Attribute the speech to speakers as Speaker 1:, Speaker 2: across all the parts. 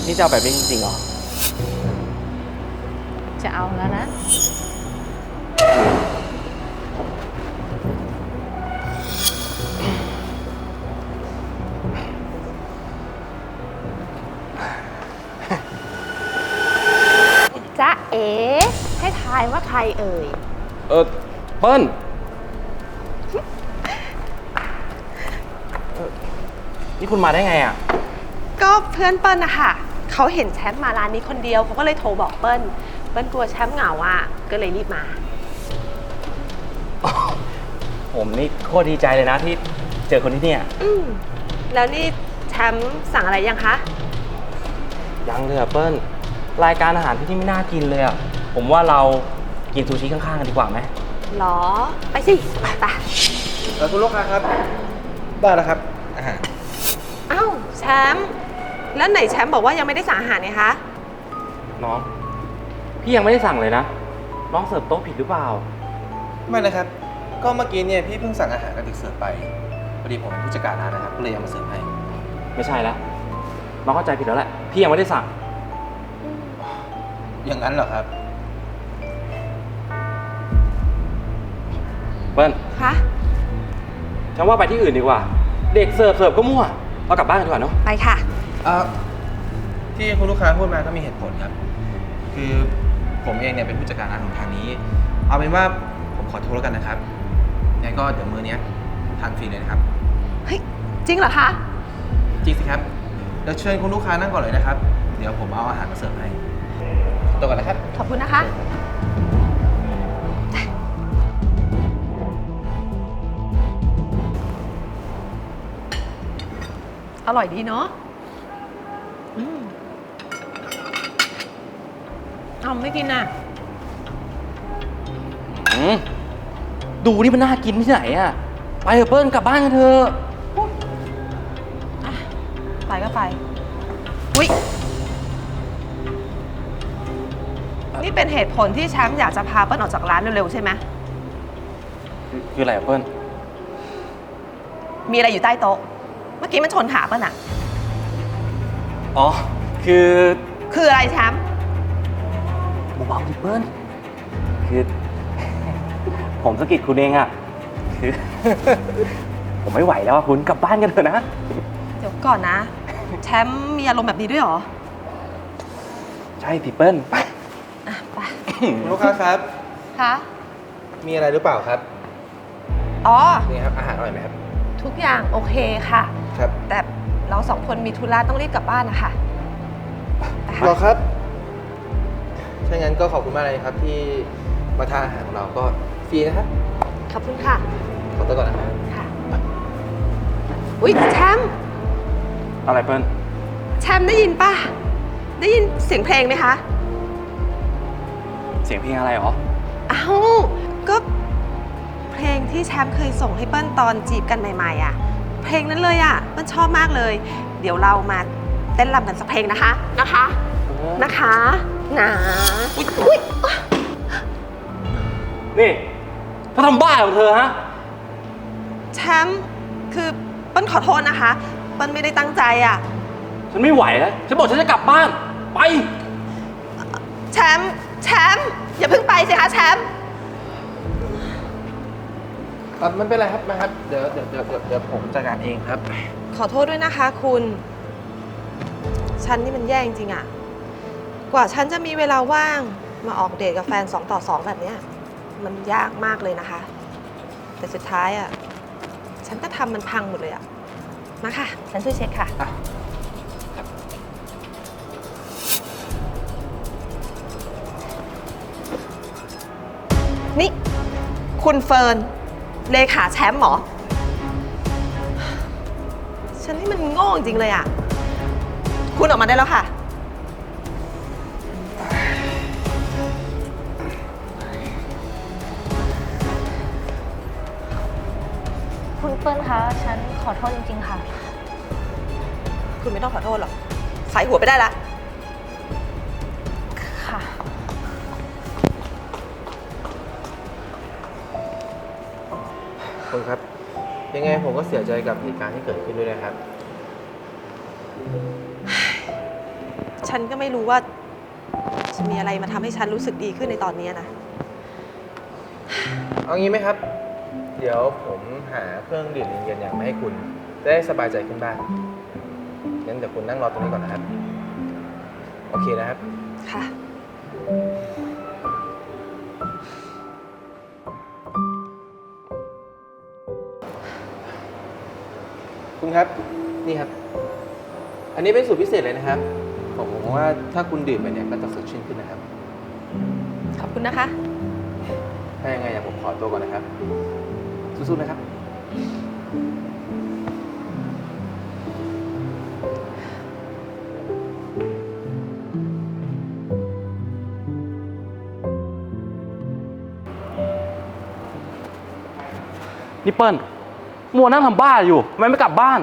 Speaker 1: นี่จะเอาแบบนี้จริงๆเหรอ
Speaker 2: จะเอาแล้วนะจ๊ะเอ๋ให้ทายว่าใครเอ่ย
Speaker 1: เปิ้ลนี่คุณมาได้ไงอ่ะ
Speaker 3: ก็เพื่อนเปิ้ลนะคะเขาเห็นแชมป์มาร้านนี้คนเดียวเขาก็เลยโทรบอกเปิ้ลกลัวแชมป์เหงาอ่ะก็เลยรีบมา
Speaker 1: ผมนี่โคตรดีใจเลยนะที่เจอคนที่เนี่ย
Speaker 3: แล้วนี่แชมป์สั่งอะไรยังคะ
Speaker 1: ยังเลยอ่ะเปิ้ลรายการอาหารที่นี่ไม่น่ากินเลยอ่ะ ผมว่าเรากินซูชิข้างๆกันดีกว่าไหม
Speaker 3: หรอ ไปสิไป
Speaker 4: คุณลูกค้าครับ ได้แล้วครับ อาหาร
Speaker 3: เอ้าแชมป์แล้วไหนแชมป์บอกว่ายังไม่ได้สั่งอาหารไงคะ
Speaker 1: น้องพี่ยังไม่ได้สั่งเลยนะ น้องเสิร์ฟโต๊ะผิดหรือเปล่า
Speaker 4: ไม่นะครับ ก็เมื่อกี้เนี่ยพี่เพิ่งสั่งอาหารกับเด็กเสิร์ฟไป พอดีผมเป็นผู้จัดการร้านนะครับ ก็เลยเอามาเสิร์ฟให้
Speaker 1: ไม่ใช่แล้วน้องเข้าใจผิดแล้วแหละพี่ยังไม่ได้สั่ง
Speaker 4: อย่างนั้นเหรอครับ
Speaker 1: เปิ้ล
Speaker 3: คะ
Speaker 1: ฉันว่าไปที่อื่นดีกว่า เด็กเสิร์ฟก็มั่วเรากลับบ้านกันดีกว่าเนาะ
Speaker 3: ไปค่ะ
Speaker 4: ที่คุณลูกค้าพูดมาก็มีเหตุผลครับ คือผมเองเนี่ยเป็นผู้จัดการร้านของทางนี้ เอาเป็นว่าผมขอโทษแล้วกันนะครับงั้นก็เดี๋ยวมื้อนี้ทานฟรีเลยนะครับ
Speaker 3: เฮ้ย จริงเหรอคะ
Speaker 4: จริงสิครับ เดี๋ยวเชิญคุณลูกค้านั่งก่อนเลยนะครับ เดี๋ยวผมเอาอาหารมาเสิร์ฟให้ตัวก่อนนะครับ
Speaker 3: ขอบคุณนะคะ อร่อยดีเนาะเอาไม่กินน่ะ
Speaker 1: ดูนี่มันน่ากินที่ไหนอะไปเถอะเปิ้ลกลับบ้านกันเถอะ
Speaker 3: ไปก็ไป อุ๊ย นี่เป็นเหตุผลที่แชมป์อยากจะพาเปิ้ลออกจากร้านเร็วๆใช่ไหม
Speaker 1: คืออะไรอะเปิ้ล
Speaker 3: มีอะไรอยู่ใต้โต๊ะ เมื่อกี้มันชนขาเปิ้ลอะ
Speaker 1: อ๋อคือ
Speaker 3: คืออะไรแชมป์
Speaker 1: เบาๆดิเปิ้ลคือ ผมสะกิดคุณเองอะคือ ผมไม่ไหวแล้วอะคุณกลับบ้านกันเถอะนะ
Speaker 3: เดี๋ยวก่อนนะ แชมป์มีอารมณ์แบบนี้ด้วยเหรอ
Speaker 1: ใช่สิเปิ้ลไป
Speaker 3: อ่ะไป
Speaker 4: คุณลูกค้าครับ
Speaker 3: คะ
Speaker 4: มีอะไรหรือเปล่าครับ
Speaker 3: อ๋อ
Speaker 4: นี่ครับ อาหารอร่อยไหมครับ
Speaker 3: ทุกอย่างโอเคค่ะ
Speaker 4: ครับ
Speaker 3: แต่เราสองคนมีธุระต้องรีบกลับบ้านนะคะไปค่ะ
Speaker 4: รอครับถ้างั้นก็ขอบคุณมากเลยครับที่มาทานอาหารของเราก็ฟรีนะครับ
Speaker 3: ขอบคุณค่ะ
Speaker 4: ขอตัวก่อนนะครับ
Speaker 3: ค่ะ อุ๊ยแชมป์
Speaker 1: อะไรเปิ้ล
Speaker 3: แชมป์ได้ยินป่ะ ได้ยินเสียงเพลงไหมคะ
Speaker 1: เสียงเพลงอะไรหรอ
Speaker 3: อ้าวก็เพลงที่แชมป์เคยส่งให้เปิ้ลตอนจีบกันใหม่ๆอ่ะ เพลงนั้นเลยอ่ะเปิ้ลชอบมากเลย เดี๋ยวเรามาเต้นรำกันสักเพลงนะคะนะคะนะอุ๊ย
Speaker 1: นี่เธอทำบ้าของเธอฮะ
Speaker 3: แชมป์คือเปิ้ลขอโทษนะคะเปิ้ลไม่ได้ตั้งใจอ่ะ
Speaker 1: ฉันไม่ไหวแล้ว ฉันบอกฉันจะกลับบ้าน ไป
Speaker 3: แชมป์อย่าเพิ่งไปสิคะแชมป์
Speaker 4: ไม่เป็นไรครับนะครับ เดี๋ยวผมจัดการเองครับ
Speaker 3: ขอโทษด้วยนะคะคุณ ฉันนี่มันแย่จริงๆอะกว่าฉันจะมีเวลาว่างมาออกเดทกับแฟน2 ต่อ 2แบบเนี้ยมันยากมากเลยนะคะ แต่สุดท้ายอะฉันก็ทำมันพังหมดเลยอะมาค่ะ ฉันช่วยเช็คค่ะ นี่ คุณเฟิร์นเลขาแชมป์เหรอ ฉันนี่มันโง่จริงเลยอ่ะ คุณออกมาได้แล้วค่ะ
Speaker 2: คุณเปิ้ลคะฉันขอโทษจริงๆค่ะ
Speaker 3: คุณไม่ต้องขอโทษหรอกใส่หัวไปได้ละ
Speaker 2: ค่ะ
Speaker 4: คุณครับ ยังไงผมก็เสียใจกับเหตุการณ์ที่เกิดขึ้นด้วยนะครับ
Speaker 3: ฉันก็ไม่รู้ว่าจะมีอะไรมาทำให้ฉันรู้สึกดีขึ้นในตอนนี้นะ
Speaker 4: เอางี้ไหมครับ เดี๋ยวผมหาเครื่องดื่มเย็นๆอย่างมาให้คุณจะได้สบายใจขึ้นบ้างงั้นเดี๋ยวคุณนั่งรอตรงนี้ก่อนนะครับ โอเคนะครับ
Speaker 3: ค่ะ
Speaker 4: คุณครับ นี่ครับ อันนี้เป็นสูตรพิเศษเลยนะครับ ผมว่าถ้าคุณดื่มไปเนี่ยก็จะสดชื่นขึ้นนะครับ
Speaker 3: ขอบคุณนะคะ
Speaker 4: ถ้ายังไงเดี๋ยวผมขอตัวก่อนนะครับ สู้ๆนะครับ
Speaker 1: นี่เปิ้ลมัวนั่งทำบ้าอยู่ทำไมไม่กลับบ้าน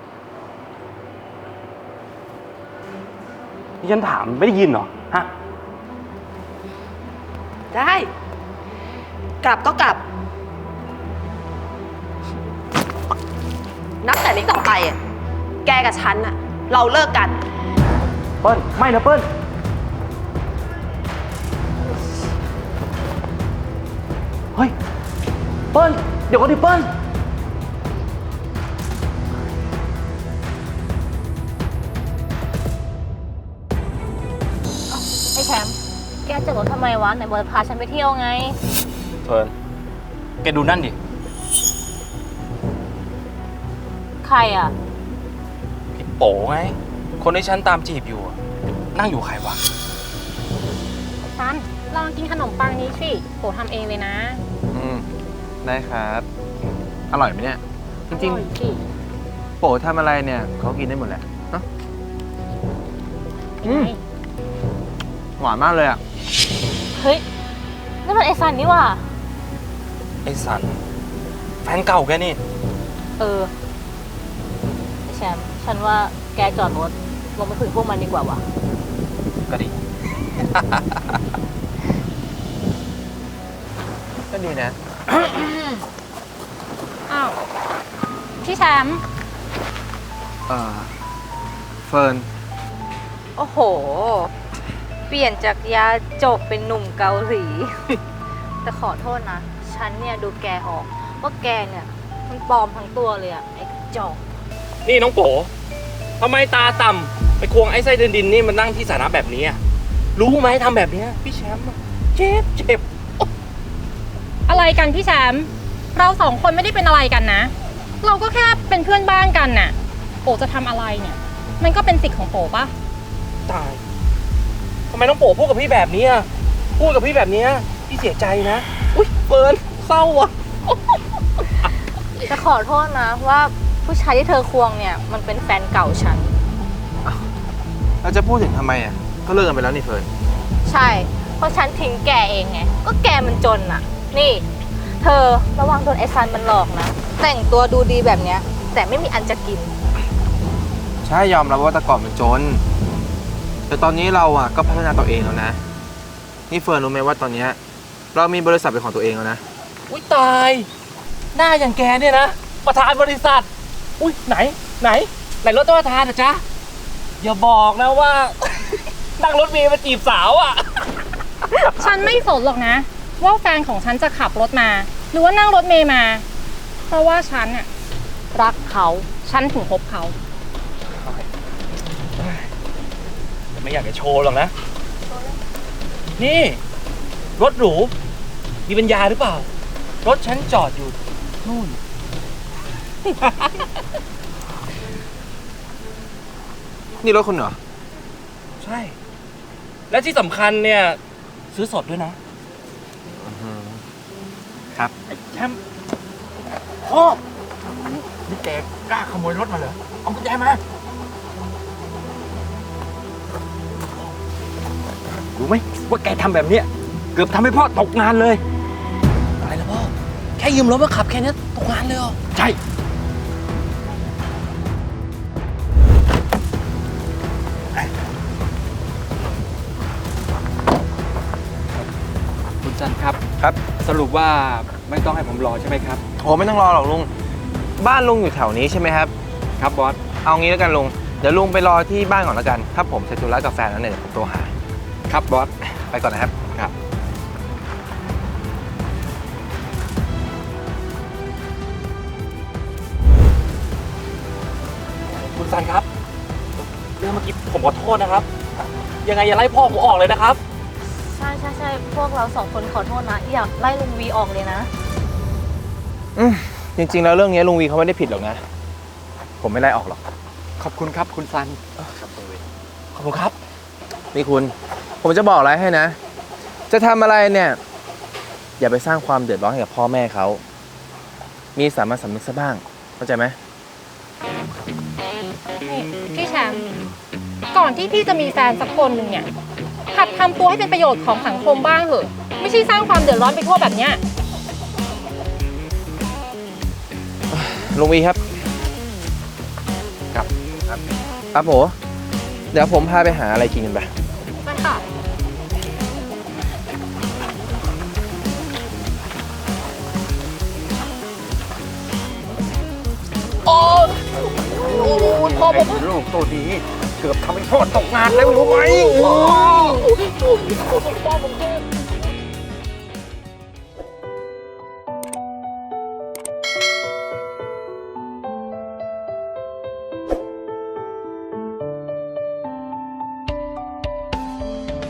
Speaker 1: นี่ฉันถามไม่ได้ยินเหรอฮะ
Speaker 3: ได้ กลับก็กลับ นับแต่นี้ต่อไปอ่ะ แกกับฉันอ่ะ เราเลิกกัน
Speaker 1: เปิ้ลไม่นะเปิ้ลเฮ้ยเปิ้ลเดี๋ยวก่อนดิเปิ้ล
Speaker 2: ไอ้แชมป์แกจอดรถทำไมวะไหนบอกจะพาฉันไปเที่ยวไง
Speaker 1: เฟิร์นแกดูนั่นดิ
Speaker 2: ใครอ่ะ
Speaker 1: พี่โป๋ไงคนที่ฉันตามจีบอยู่อะนั่งอยู่ใครวะ
Speaker 2: ซันลองกินขนมปังนี้สิโปทำเองเลยนะ
Speaker 4: ได้ครับ อร่อยไหมเนี่ย จริง
Speaker 2: ออยสิ
Speaker 4: ๆ โปทำอะไรเนี่ยเขากินได้หมดแหละเนาะ
Speaker 2: เป็นไง
Speaker 4: หวานมากเลยอ่ะ
Speaker 2: เฮ้ยนั่นมันไอซันนี่หว่า
Speaker 1: ไอ้สันแฟนเก่าแกนี่
Speaker 2: เออไอ้แชมป์ฉันว่าแกจอดรถลงไปคุยกับพวกมันดีกว่าวะ
Speaker 1: ก็ดี
Speaker 4: ก็ดีนะ
Speaker 2: อ้าวพี่แชมป์
Speaker 4: เฟิร์น
Speaker 5: โอ้โห เปลี่ยนจากยาจบเป็นหนุ่มเกาหลี แต่ขอโทษนะ ฉันเนี่ยดูแกออกว่าแกเนี่ยมันปลอมทั้งตัวเลยอะไอ้กระจอก
Speaker 1: นี่น้องโป๋ทำไมตาต่ำไปควงไอ้ไส้เดินดินนี่มันนั่งที่สาธารณะแบบนี้อะรู้ไหมทำแบบเนี้ยพี่แชมป์อะเจ็บ
Speaker 6: อะไรกันพี่แชมป์เราสองคนไม่ได้เป็นอะไรกันนะ เราก็แค่เป็นเพื่อนบ้านกันน่ะโปจะทำอะไรเนี่ย มันก็เป็นสิทธิ์ของโปปะ
Speaker 1: ตายทำไมน้องโป๋พูดกับพี่แบบนี้อะพูดกับพี่แบบนี้พี่เสียใจนะอุ้ยเฟิร์นเศร้าว่ะ
Speaker 5: จะขอโทษนะว่าผู้ชายที่เธอควงเนี่ยมันเป็นแฟนเก่าฉัน
Speaker 4: เราจะพูดถึงทำไมอ่ะ ก็เลิกกันไปแล้วนี่เฟิร์น
Speaker 5: ใช่ เพราะฉันทิ้งแกเองไง ก็แกมันจนอะนี่ เธอระวังโดนไอซันมันหลอกนะ แต่งตัวดูดีแบบเนี้ย แต่ไม่มีอันจะกิน
Speaker 4: ใช่ยอมรับว่าแต่ก่อนมันจน แต่ตอนนี้เราอ่ะก็พัฒนาตัวเองแล้วนะ นี่เฟิร์นรู้ไหมว่าตอนเนี้ยเรามีบริษัทเป็นของตัวเองแล้วนะ
Speaker 1: อุ้ยตายหน้าอย่างแกเนี่ยนะประธานบริษัทอุ้ยไหนรถประธานนะจ๊ะอย่าบอกนะว่า นั่งรถเมล์มาจีบสาวอ่ะ
Speaker 6: ฉันไม่สนหรอกนะ ว่าแฟนของฉันจะขับรถมา หรือว่านั่งรถเมย์มา เพราะว่าฉันน่ะรักเขาฉันถึงคบเขา
Speaker 1: แต่ไม่อยากจะโชว์หรอกนะ นี่ รถหรู มีปัญญาหรือเปล่า รถฉันจอดอยู่นู่น
Speaker 4: นี่รถคุณเหรอ
Speaker 1: ใช่ และที่สำคัญเนี่ย ซื้อสดด้วยนะ
Speaker 4: ครับ
Speaker 1: แชมป์พ่อนี่แกกล้าขโมยรถมาเหรอ เอากุญแจมา รู้ไหมว่าแกทำแบบเนี้ยเกือบทำให้พ่อตกงานเลย อะไรนะพ่อ แค่ยืมรถมาขับแค่นี้ตกงานเลยเหรอ ใช่
Speaker 7: คุณจันครับ
Speaker 4: ครับ
Speaker 7: สรุปว่าไม่ต้องให้ผมรอใช่ไหมครับ
Speaker 4: โอ้ไม่ต้องรอหรอกลุง บ้านลุงอยู่แถวนี้ใช่ไหมครับ
Speaker 7: ครับบอส
Speaker 4: เอางี้แล้วกันลุงดี๋ยวลุงไปรอที่บ้านก่อนแล้วกัน ถ้าผมเสร็จธุระกับแฟนแล้วเนี่ยเดี๋ยวผมโทรหา
Speaker 7: ครับบอส
Speaker 4: ไปก่อนนะครับ
Speaker 7: ครับ
Speaker 1: คุณซันครับ เรื่องเมื่อกี้ผมขอโทษนะครับ ยังไงอย่าไล่พ่อผมออกเลยนะครับ
Speaker 2: ใช่ใช่ใช่พวกเราสองคนขอโทษนะ อยากไล่ลุงวีออกเลยนะ
Speaker 4: จริงๆแล้วเรื่องนี้ลุงวีเขาไม่ได้ผิดหรอกนะ ผมไม่ไล่ออกหรอก
Speaker 7: ขอบคุณครับคุณซัน
Speaker 1: ขอบคุณครับ
Speaker 4: นี่คุณ ผมจะบอกอะไรให้นะ จะทำอะไรเนี่ย อย่าไปสร้างความเดือดร้อนให้กับพ่อแม่เขา มีสามัญสำนึกซะบ้าง เข้าใจไหม
Speaker 6: นี่พี่แชมป์ก่อนที่พี่จะมีแฟนสักคนหนึ่งเนี่ยหัดทำตัวให้เป็นประโยชน์ของสังคมบ้างเถอะ ไม่ใช่สร้างความเดือดร้อนไปทั่วแบบเนี้ย
Speaker 4: ลุงวีครับ ครับครับผมเดี๋ยวผมพาไปหาอะไรกินกันไป
Speaker 6: ไปค่ะ
Speaker 7: ลูกตัวนี้เกือบทำให้พ่อตกงานแล้วรู้ไหม
Speaker 6: พ่อผมเจ็บ